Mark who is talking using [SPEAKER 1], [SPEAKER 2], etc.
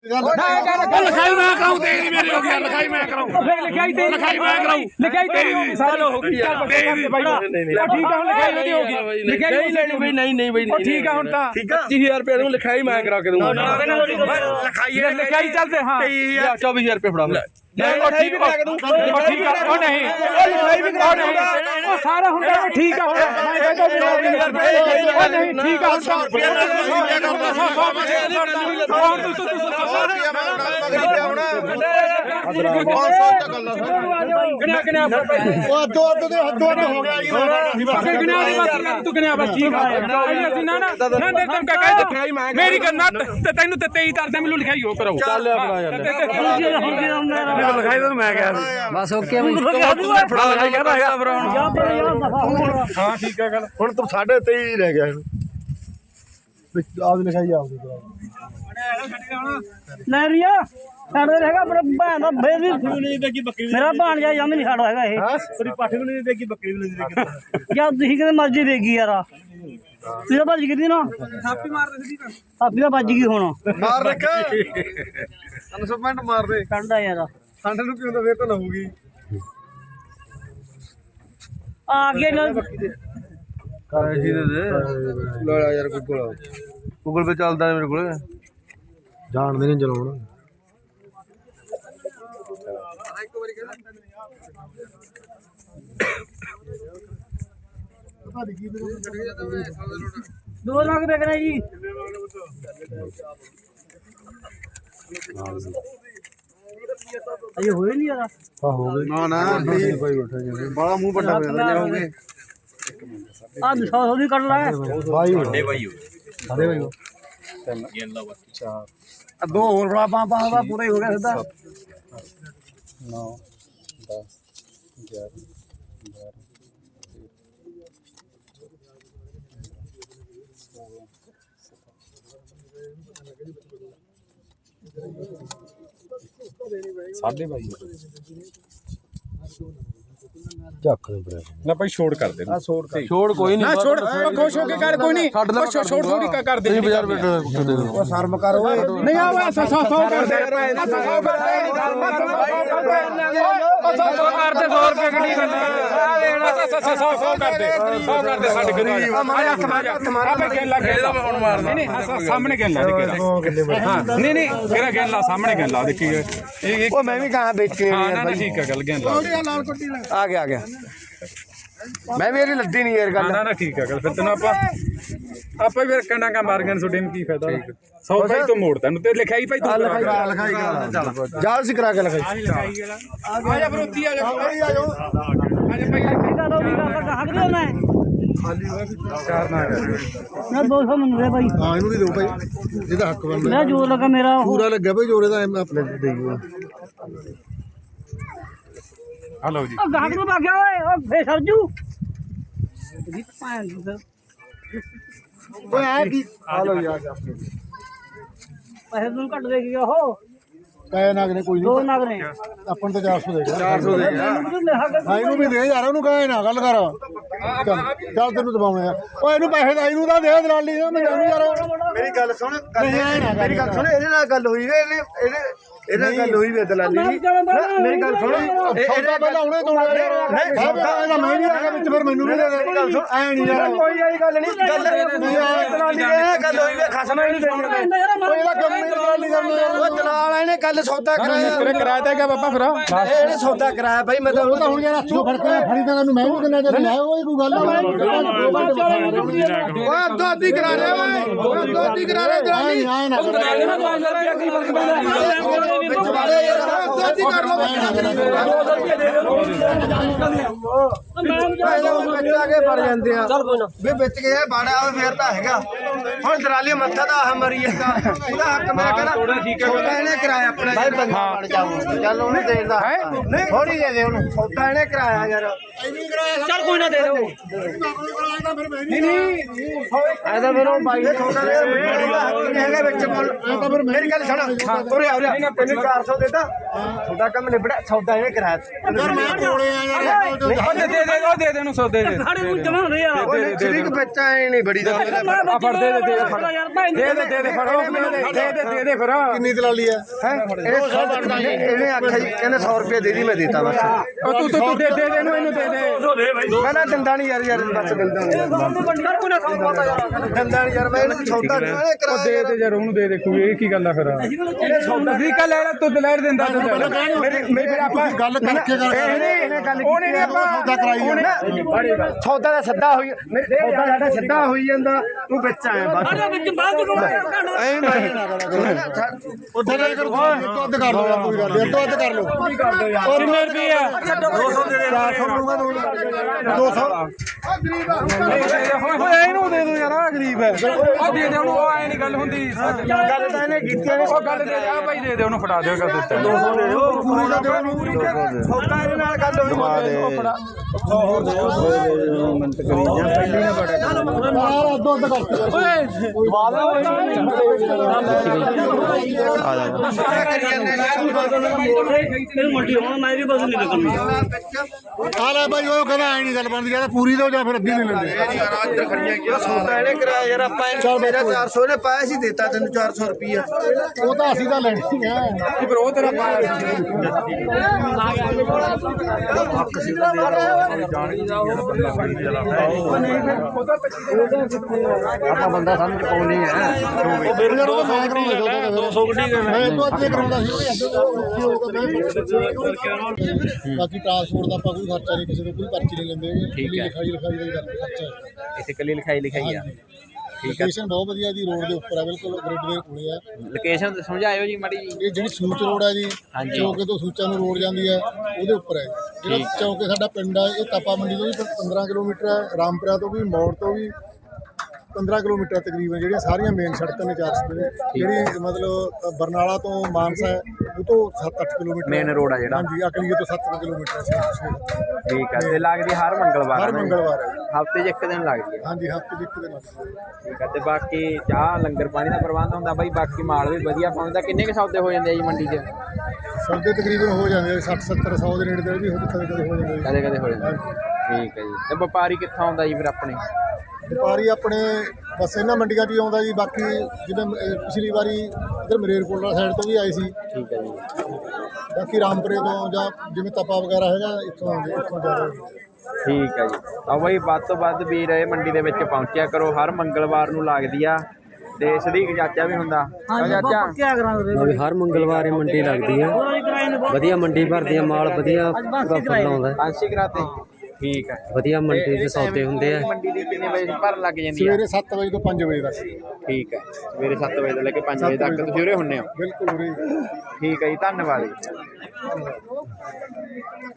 [SPEAKER 1] लिखाई मैं कराऊं तेरी मेरी हो गया लिखाई मैं कराऊं लिखाई मैं कराऊं लिखाई तेरी होगी चलो हो गई यार भाई ठीक है लिखाई मेरी होगी लिखाई नहीं लेनी भाई नहीं भाई ठीक है हुन ता 25000 रुपए दूं लिखाई मैं करा के दूंगा लिखाई चलते हां 24000 रुपए फड़ा नहीं ठीक है ठीक है ओ नहीं ओ लिखाई भी करा नहीं ओ सारा हुंदा ठीक है मैं कहता ओ नहीं ठीक है 100 मेरी गन्ना तेन तेई तरह मैनू लिखाई हो करो लिखाई तो मैं कहा बस ओके हाँ ठीक है गल हुण तू 23.5 रह गया आप लिखाई आप
[SPEAKER 2] नरिया साडे रहेगा अपने भैन दा फेर भी मेरा भाणजा जम नहीं साडा हैगा ये
[SPEAKER 1] तेरी पठ भी नहीं देगी बकरी भी नहीं देगी
[SPEAKER 2] या तुसी किते मर्जी देगी यार तू तो भज गई ना थापी मार दे सीधी थापी दा भज गई हुण
[SPEAKER 1] मार रख 300 मिनट मार दे
[SPEAKER 2] ठंडा यार
[SPEAKER 1] ठंड ਨੂੰ ਕਿਉਂ ਤਾਂ ਫੇਰ ਤਾਂ ਲਹੂਗੀ
[SPEAKER 2] आ गया
[SPEAKER 1] ਕਾਸ਼ੀ ਦੇ ਦੇ ਲੋੜਾ ਯਾਰ ਗੂਗਲ ਪੇ ਚੱਲਦਾ ਮੇਰੇ ਕੋਲ ਜਾਣਦੇ ਨਹੀਂ ਚਲਾਉਣ
[SPEAKER 2] दो लाख बेचना जी अरे हुए नहीं यार
[SPEAKER 1] ਹਾਂ ਹੋ ਗਏ ਨਾ ਨਾ ਭਾਈ ਬੈਠਾ ਬਾਲਾ ਮੂੰਹ ਵੱਡਾ ਹੋ ਜਾਂਦਾ ਹੋ ਗਏ
[SPEAKER 2] आ 100 भी कर रहा है
[SPEAKER 1] ਭਾਈ ਵੱਡੇ ਭਾਈ ਸਾਰੇ ਭਾਈ ਤਿੰਨ ਗੇਲਾ ਬੱਤੀ ਚਾਰ ਆ ਦੋ ਹੋਰ ਬੜਾ ਪਾਪਾ ਦਾ ਪੂਰਾ ਹੀ ਹੋ ਗਿਆ ਸਿੱਧਾ 9 10 11 साढ़े भाई ना भाई छोड़ कर दे छोड़ कोई नहीं छोड़ खुश होके कर कोई नहीं छोड़ थोड़ी कर दे 2000 रुपए ओ शर्म कर ओए नहीं आ 100 कर दे 100 कर दे 100 कर दे 100 रुपए कड़ी करना 100 कर दे साडे गरीब आपे गेला गेला हुन मार नहीं सामने गेला हां नहीं तेरा गेला सामने गेला देखी ओ मैं भी कहां बेच के यार ठीक है गल गेला आ गया मैं मेरी लद्दी नहीं यार गल ना ठीक है गल फिर तने आपा फिर कंडा का मार गन छोटे में की फायदा 100 भाई तो मोड़ तन ते लिखाई भाई तू लिखाई चल जाल से करा के लिखाई आ जा बरोती आ जा आ जाओ भाई
[SPEAKER 2] का लो भी का हक दे मैं
[SPEAKER 1] खाली चार ना
[SPEAKER 2] ना 200 मंग रहे भाई
[SPEAKER 1] हां इनु भी दो भाई ਇਹਦਾ ਹੱਕ ਬਣਦਾ
[SPEAKER 2] मैं जोर लगा मेरा
[SPEAKER 1] ਪੂਰਾ ਲੱਗਿਆ ਭਾਈ ਜੋਰੇ ਦਾ ਆਪਣੇ ਦੇਈਓ हेलो जी
[SPEAKER 2] ओ गाहक नु भाग्या ओए ओ फे सरजू जी पान
[SPEAKER 1] ओए आ की हेलो यार आपने
[SPEAKER 2] पैसे तुम कट दे गया हो
[SPEAKER 1] ਕਾਇਆ ਨਾਗ ਨੇ ਕੋਈ
[SPEAKER 2] दो
[SPEAKER 1] ਨਹੀਂ
[SPEAKER 2] नाग ने
[SPEAKER 1] ਆਪਾਂ ਨੂੰ ਤਾਂ 400 ਦੇ 400 ਦੇ ਹਾਂ ਇਹਨੂੰ ਵੀ ਦੇ ਯਾਰ ਉਹਨੂੰ ਕਾਇਆ ਨਾ ਗੱਲ ਕਰ ਚੱਲ ਤੈਨੂੰ ਦਬਾਉਣੇ ਆ ਓਏ ਇਹਨੂੰ ਪੈਸੇ ਦਾ ਇਹਨੂੰ ਤਾਂ ਦੇ ਦਲਾਲੀ ਨਾ ਮੈਨੂੰ ਯਾਰ ਮੇਰੀ ਗੱਲ ਸੁਣ ਮੇਰੀ ਗੱਲ ਸੁਣ ਇਹਦੇ ਨਾਲ ਗੱਲ ਹੋਈ ਇਹਦੇ ਗੱਲ ਹੋਈ ਵੇ ਦਲਾਲੀ ਮੇਰੀ ਗੱਲ ਸੁਣ ਸੌਦਾ ਪਹਿਲਾਂ ਉਹਨੇ ਤੋੜਿਆ ਯਾਰ ਨਹੀਂ ਸੌਦਾ ਇਹਦਾ ਮੈਂ ਵੀ ਆ ਗਿਆ ਵਿੱਚ ਫਿਰ ਮੈਨੂੰ ਵੀ ਦੇ ਦੇ ਗੱਲ ਸੁਣ ਐ ਨਹੀਂ ਯਾਰ ਕੋਈ ਆਈ ਗੱਲ ਨਹੀਂ ਗੱਲ ਦਲਾਲੀ ਇਹ ਗੱਲ ਹੋਈ ਵੇ ਖਸਮ ਇਹਨੂੰ ਦੇਣਾ ਇਹਦਾ ਕੰਮ ਨਹੀਂ ਦਲਾਲੀ ਕਰਨਾ ਉਹ ਦਲਾਲ ਇਹਨੇ ਕੱਲ ਸੌਦਾ ਕਰਾਇਆ ਤੇਰੇ ਕਿਰਾਇਆ ਤੇ ਗਿਆ ਬਾਬਾ ਫਿਰ ਇਹਨੇ ਸੌਦਾ ਕਰਾਇਆ ਭਾਈ ਮੈਂ ਤਾਂ ਉਹ ਤਾਂ ਹੁਣ ਯਾਰ ਹੱਥੋਂ ਫੜ ਕੇ ਫੜੀ ਤਾਂ ਤੈਨੂੰ ਮੈਂ ਵੀ ਕਿੰਨਾ ਚਿਰ ਲਾਇਆ ਉਹ ਕੋਈ ਗੱਲ ਓਏ ਅੱਧੋ ਅੱਧੀ ਕਰਾ ਰਿਹਾ ਓਏ ਅੱਧੋ ਅੱਧੀ ਕਰਾ ਰਿਹਾ ਦਲਾਲੀ ਆਏ ਨਾ ਦਲਾਲੀ ਨੂੰ 2000 ਰੁਪਏ ਕੀ ਫਰਕ ਪੈਂਦਾ ਵਿੱਚ ਵਾਲੇ ਯਾਰ ਅੱਧੋ ਅੱਧੀ ਕਰ ਲਓ 2000 ਰੁਪਏ ਦੇ ਦਿਓ ਬੱਚਾ ਕੇ ਫੜ ਜਾਂਦੇ ਆ ਚੱਲ ਕੋਈ ਨਾ ਵੀ ਵਿੱਚ ਗਿਆ ਬਾੜਾ ਫੇਰ ਤਾਂ ਹੈਗਾ ਹੁਣ ਦਲਾਲੀ ਮੱਥਾ ਦਾ ਮਰੀ ਜਾਂਦਾ ਉਹਦਾ ਹੱਕ ਮੇਰਾ ਕਹਿੰਦਾ ਇਹਨੇ ਕਰਾਇਆ
[SPEAKER 3] ਆਪਣਾ ਭਾਈ ਬੰਦਾ ਬਣ ਜਾਊਗਾ ਚੱਲ ਉਹਨੂੰ ਦੇ ਦਾ ਥੋੜੀ ਦੇ ਦੇ ਉਹਨੂੰ ਸੌਦਾ ਇਹਨੇ ਕਰਾਇਆ ਯਾਰ
[SPEAKER 2] ਚੱਲ ਕੋਈ ਨਾ ਦੇ ਦਿਓ
[SPEAKER 3] ਐ ਤਾਂ ਫਿਰ ਉਹ ਬਾਈ ਨੇ ਸੌਦਾ ਦੇ ਹੈਗਾ ਵਿੱਚ ਮੁੱਲ ਮੇਰੀ ਗੱਲ ਸੁਣ ਉਰੇ ਆ ਉਰੇ ਤੈਨੂੰ 400 ਦੇਤਾ ਤੁਹਾਡਾ ਕੰਮ ਨਿਬੜਿਆ ਸੌਦਾ ਇਹਨੇ ਕਰਾਇਆ
[SPEAKER 1] ਯਾਰ ਮੈਂ ਕੋਲੇ ਆ ਯਾਰ
[SPEAKER 4] ਦੇ ਦੇ ਉਹਨੂੰ ਸੌਦੇ ਦੇ
[SPEAKER 2] ਸਾਡੇ ਨੂੰ ਜਮਾ ਹੁੰਦੇ ਯਾਰ
[SPEAKER 3] ਉਹ ਸ਼ਰੀਕ ਬੱਚਾ ਐ ਨਹੀਂ ਬੜੀ ਦਾ
[SPEAKER 4] ਆ ਫੜ ਦੇ ਦੇ ਫੜੋ ਦੇ ਦੇ ਫਿਰ
[SPEAKER 1] ਕਿੰਨੀ ਦਲਾਲੀ ਹੈ
[SPEAKER 3] ਇਹਨੇ ਆਖਿਆ ਜੀ ਕਹਿੰਦਾ 100 ਰੁਪਏ ਦੇ ਦੀ ਮੈਂ ਦੇਤਾ ਬਸ
[SPEAKER 4] ਉਹ ਤੂੰ ਦੇ ਦੇ ਇਹਨੂੰ ਇਹਨੂੰ ਦੇ ਦੇ
[SPEAKER 3] ਮੈਂ ਨਾ ਦੰਦਾ ਨਹੀਂ ਯਾਰ ਬਸ ਦੰਦਾ
[SPEAKER 2] ਬੰਦਾ ਕੋਈ ਨਾ ਖਾਉਂਦਾ ਯਾਰ
[SPEAKER 3] ਦੰਦਾ ਨਹੀਂ ਯਾਰ ਮੈਂ ਇਹਨੂੰ ਸੌਦਾ ਇਹਨੇ
[SPEAKER 4] ਉਹ
[SPEAKER 3] ਕਰਾਇਆ
[SPEAKER 4] ਦੇ ਦੇ ਯਾਰ ਉਹਨੂੰ ਦੇ ਦੇ ਕੋਈ ਇਹ ਕੀ ਗੱਲ ਆ ਫਿਰ
[SPEAKER 3] ਇਹਨੇ ਸੌਦਾ
[SPEAKER 4] ਠੀਕ ਆ ਲੈ ਤੂੰ ਦਲੇਰ ਦਿੰਦਾ ਤੂੰ
[SPEAKER 3] ਮੇਰੇ ਆਪਾਂ
[SPEAKER 1] ਗੱਲ ਕਰਕੇ ਕਰ
[SPEAKER 3] ਇਹਨੇ ਗੱਲ
[SPEAKER 4] ਉਹਨੇ ਨੀ ਆਪਾਂ
[SPEAKER 1] ਸੌਦਾ ਕਰਾਈ ਜਾਂਦਾ
[SPEAKER 3] ਸੌਦਾ ਦਾ ਸੱਦਾ ਹੋਈ ਸੌਦਾ ਸਾਡਾ ਸੱਦਾ ਹੋਈ ਜਾਂਦਾ ਤੂੰ ਵਿੱਚ ਆਇਆ ਬਸ
[SPEAKER 2] ਸਾਡੇ ਵਿੱਚ ਬਾਅਦ ਚ
[SPEAKER 3] ਐਂ ਨਹੀਂ
[SPEAKER 1] ਉੱਥੇ ਗੱਲ ਕਰੋ ਅੱਧ ਕਰ ਲਓ ਕੋਈ ਗੱਲ ਨਹੀਂ ਅੱਧ ਕਰ ਲਓ
[SPEAKER 4] ਕੀ ਕਰਦੇ ਯਾਰ ਕਿੰਨੇ ਰੁਪਏ ਆ
[SPEAKER 1] 200 ਦੇ 400 ਲਊਗਾ 200
[SPEAKER 4] ਓਏ ਇਹਨੂੰ ਦੇ ਦੋ ਯਾਰ ਆ ਗਰੀਬ ਹੈ ਆ ਦੇ ਦੇ ਉਹਨੂੰ ਐ ਨਹੀਂ ਗੱਲ ਹੁੰਦੀ
[SPEAKER 3] ਗੱਲ ਤਾਂ ਇਹਨੇ ਕੀਤੀ ਇਹਨੇ
[SPEAKER 4] ਉਹ ਗੱਲ ਦੇ ਆ ਭਾਈ ਦੇ ਦੇ ਉਹਨੂੰ ਫੜਾ ਦਿਓ ਕਰ ਦਿੱਤਾ
[SPEAKER 3] 200 ਦੇ ਦਿਓ ਸੌਦਾ ਇਹਦੇ ਨਾਲ ਗੱਲ ਹੋਈ
[SPEAKER 4] ਉਹ ਫੜਾ
[SPEAKER 1] ਯਾਰ ਅੱਧ ਕਰਕੇ
[SPEAKER 2] ਇਹ ਮੰਡੀ ਹੁਣ ਮੈਂ ਵੀ ਬਸ ਨਹੀਂ ਲੱਗਣੀ
[SPEAKER 1] ਆ ਲੈ ਬਾਈ ਉਹ ਕਹਿੰਦਾ ਐ ਨਹੀਂ ਗੱਲ ਬਣਦੀ ਜਾਂ ਪੂਰੀ ਦੋ ਜਾਂ ਫਿਰ ਅੱਧੀ ਨਹੀਂ ਲੈਂਦੇ
[SPEAKER 3] ਸੌਦਾ ਇਹਨੇ ਕਰਾਇਆ ਯਾਰ ਆਪਾਂ ਮੇਰਾ 400 ਨੇ ਪਾਇਆ ਸੀ ਦਿੱਤਾ ਤੈਨੂੰ 400 ਰੁਪਿਆ
[SPEAKER 1] ਉਹ ਤਾਂ ਅਸੀਂ ਤਾਂ ਲੈਣੀ ਆ
[SPEAKER 4] ਫਿਰ ਉਹ ਤੇਰਾ ਪਾਇਆ
[SPEAKER 3] ਆਪਾਂ ਬੰਦਾ ਸਮਝ ਪਾਉਣੀ ਹੈ
[SPEAKER 1] ਉਹ ਮੇਰੇ ਨਾਲ ਉਹ ਮੈਂ ਕਰਾਉਂਦਾ 200 ਗੱਡੀ ਮੈਂ ਤੋਂ ਅੱਧੇ ਕਰਾਉਂਦਾ ਸੀ ਬਾਕੀ ਟ੍ਰਾਂਸਪੋਰਟ ਦਾ ਆਪਾਂ ਕੋਈ ਖਰਚਾ ਨਹੀਂ ਕਿਸੇ ਤੋਂ ਕੋਈ ਪਰਚੀ ਨਹੀਂ ਲੈਂਦੇ ਲਿਖਾਈ ਦਾ ਖਰਚਾ
[SPEAKER 5] ਇੱਥੇ ਕੱਲੀ ਲਿਖਾਈ ਆ
[SPEAKER 1] ਲੋਕੇਸ਼ਨ ਬਹੁਤ ਵਧੀਆ ਜੀ ਰੋਡ ਦੇ ਉੱਪਰ ਆ ਬਿਲਕੁਲ ਗ੍ਰਿਡ ਦੇ ਕੋਲੇ ਆ
[SPEAKER 5] ਲੋਕੇਸ਼ਨ ਸਮਝਾਇਓ ਜੀ ਮਾੜੀ ਜੀ
[SPEAKER 1] ਇਹ ਜਿਹੜੀ ਸੂਚ ਰੋਡ ਹੈ ਜੀ ਚੌਕੇ ਤੋਂ ਸੂਚਾ ਨੂੰ ਰੋਡ ਜਾਂਦੀ ਹੈ ਉਹਦੇ ਉੱਪਰ ਹੈ ਜਿਹੜਾ ਚੌਕੇ ਸਾਡਾ ਪਿੰਡ ਹੈ ਇਹ ਤਾਪਾ ਮੰਡੀ ਤੋਂ ਵੀ 15 ਕਿਲੋਮੀਟਰ ਹੈ ਰਾਮਪੁਰਾ ਤੋਂ ਵੀ ਮੌੜ ਤੋਂ ਵੀ 15 ਕਿਲੋਮੀਟਰ ਤਕਰੀਬਨ ਜਿਹੜੀਆਂ ਸਾਰੀਆਂ ਮੇਨ ਸੜਕਾਂ ਨੇ 400 ਨੇ ਜਿਹੜੀ ਮਤਲਬ ਬਰਨਾਲਾ ਤੋਂ ਮਾਨਸਾ ਹੈ ਉਹ ਤੋਂ 7-8 ਕਿਲੋਮੀਟਰ
[SPEAKER 5] ਮੇਨ ਰੋਡ ਆ ਜਿਹੜਾ
[SPEAKER 1] ਹਾਂਜੀ ਅਕਲੀਏ ਤੋਂ 7 ਕਿਲੋਮੀਟਰ ਹੈ
[SPEAKER 5] ਠੀਕ ਆ ਤੇ ਲੱਗਦੀ ਹਰ ਮੰਗਲਵਾਰ
[SPEAKER 1] ਹਰ ਮੰਗਲਵਾਰ ਹੈ
[SPEAKER 5] ਹਫਤੇ 'ਚ ਇੱਕ ਦਿਨ ਲੱਗਦੀ ਆ
[SPEAKER 1] ਹਾਂਜੀ ਹਫ਼ਤੇ ਦੇ ਇੱਕ ਦਿਨ
[SPEAKER 5] ਠੀਕ ਆ ਤੇ ਬਾਕੀ ਚਾਹ ਲੰਗਰ ਪਾਣੀ ਦਾ ਪ੍ਰਬੰਧ ਹੁੰਦਾ ਬਾਈ ਬਾਕੀ ਮਾਲ ਵੀ ਵਧੀਆ ਪਾਉਂਦਾ ਕਿੰਨੇ ਕੁ ਸੌਦੇ ਹੋ ਜਾਂਦੇ ਆ ਜੀ ਮੰਡੀ 'ਚ
[SPEAKER 1] ਸੌਦੇ ਤਕਰੀਬਨ ਹੋ ਜਾਂਦੇ 60-70 100 ਦੇ ਨੇੜੇ ਤੇ ਵੀ ਕਦੇ ਹੋ ਜਾਂਦੇ
[SPEAKER 5] ਕਦੇ ਕਦੇ ਹੋ ਜਾਂਦੇ ਠੀਕ ਹੈ ਜੀ ਤੇ ਵਪਾਰੀ ਕਿੱਥੋਂ ਆਉਂਦਾ ਜੀ ਫਿਰ ਆਪਣੇ
[SPEAKER 1] ਵਪਾਰੀ ਆਪਣੇ ਬਸ ਇਹਨਾਂ ਮੰਡੀਆਂ 'ਚ ਹੀ ਆਉਂਦਾ ਜੀ ਬਾਕੀ ਜਿਵੇਂ ਪਿਛਲੀ ਵਾਰੀ ਇੱਧਰ ਮਰੇਰਕੋਟਲਾ ਸਾਈਡ ਤੋਂ ਵੀ ਆਏ ਸੀ
[SPEAKER 5] ਠੀਕ ਹੈ ਜੀ
[SPEAKER 1] ਬਾਕੀ ਰਾਮਪੁਰੇ ਤੋਂ ਜਾਂ ਜਿਵੇਂ ਤਪਾ ਵਗੈਰਾ ਹੈਗਾ ਇੱਥੋਂ ਆਉਂਦੇ ਇੱਥੋਂ ਜ਼ਿਆਦਾ
[SPEAKER 5] ਠੀਕ ਹੈ ਜੀ ਆ ਬਾਈ ਵੱਧ ਤੋਂ ਵੱਧ ਵੀਰ ਇਹ ਮੰਡੀ ਦੇ ਵਿੱਚ ਪਹੁੰਚਿਆ ਕਰੋ ਹਰ ਮੰਗਲਵਾਰ ਨੂੰ ਲੱਗਦੀ ਆ ਤੇ ਸਦੀਕ ਚਾਚਾ ਵੀ ਹੁੰਦਾ ਚਾਚਾ
[SPEAKER 2] ਕੀ ਕਰਾਂਗੇ
[SPEAKER 6] ਹਰ ਮੰਗਲਵਾਰ ਇਹ ਮੰਡੀ ਲੱਗਦੀ ਹੈ ਵਧੀਆ ਮੰਡੀ ਭਰਦੀ ਆ ਮਾਲ ਵਧੀਆ ਪ੍ਰੋਫਿਟ ਆਉਂਦਾ
[SPEAKER 5] ਪਾਂਸੀ ਕਰਾਤੇ ਠੀਕ ਹੈ
[SPEAKER 6] ਵਧੀਆ ਮੰਡੀ ਦੇ ਸੌਦੇ ਹੁੰਦੇ ਆ
[SPEAKER 5] ਮੰਡੀ ਦੀ ਕਿੰਨੇ ਵਜੇ ਭਰਨ ਲੱਗ ਜਾਂਦੀ ਆ
[SPEAKER 1] ਸਵੇਰੇ 7 ਵਜੇ ਤੋਂ 5 ਵਜੇ ਤੱਕ
[SPEAKER 5] ਠੀਕ ਹੈ ਸਵੇਰੇ 7 ਵਜੇ ਤੋਂ ਲੈ ਕੇ 5 ਵਜੇ ਤੱਕ ਤੁਸੀਂ ਉਰੇ ਹੁੰਨੇ ਹੋ
[SPEAKER 1] ਬਿਲਕੁਲ ਉਰੇ
[SPEAKER 5] ਠੀਕ ਹੈ ਜੀ ਧੰਨਵਾਦ ਜੀ